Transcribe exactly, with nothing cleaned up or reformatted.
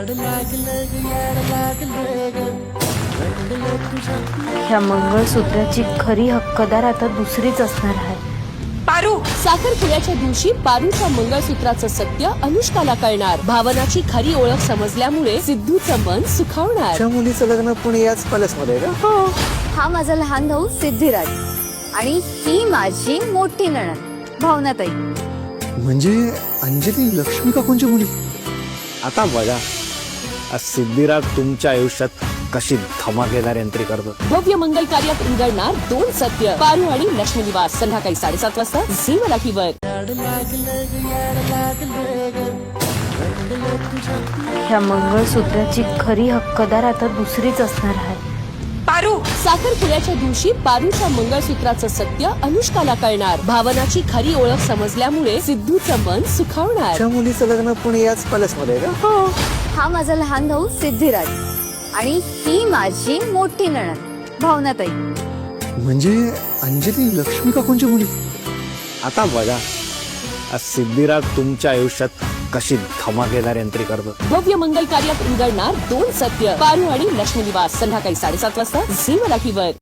ह्या मंगळसूत्राची खरी हक्कदार आता दुसरीच असणार आहे. पारू साखरपुड्याच्या दिवशी पारूच्या मंगळसूत्राचं सत्य अनुष्काला कळणार. भावनाची खरी ओळख समजल्यामुळे सिद्धूचं मन सुखावणार. त्या मुलीचं लग्न पण याच पॅलेस मध्ये का? हो, हा माझा लहान भाऊ सिद्धिराज आणि ही माझी मोठी नणंद भावनाताई. म्हणजे अंजली लक्ष्मी काकूंची मुली. आता बघा आज सिद्धिराज तुमच्या आयुष्यात कशी धमाकेदार एंट्री करतो. भव्य मंगल कार्यात उलगडणार दोन सत्य. पारू आणि लक्ष्मी निवास संध्याकाळी साडेसात वाजता झी मराठीवर. ह्या मंगळसूत्राची खरी हक्कदार आता दुसरीच असणार आहे. पारू साखरपुड्याच्या दिवशी पारूच्या मंगळसूत्राचं सत्य अनुष्काला कळणार. भावनाची खरी ओळख समजल्यामुळे सिद्धूचं मन सुखावणार. त्या मुलीचं लग्न पण याच पॅलेस मध्ये का? हो, हा माझा लहान भाऊ सिद्धिराज आणि ही माझी मोठी नणंद भावनाताई. म्हणजे अंजली लक्ष्मी काकूंची मुली. आता बघा आज सिद्धिराज तुमच्या आयुष्यात कशी धमाकेदार एंट्री करतो. भव्य मंगल कार्यात उलगडणार दोन सत्य. पारू आणि लक्ष्मी निवास संध्याकाळी साडेसात वाजता झी मराठीवर.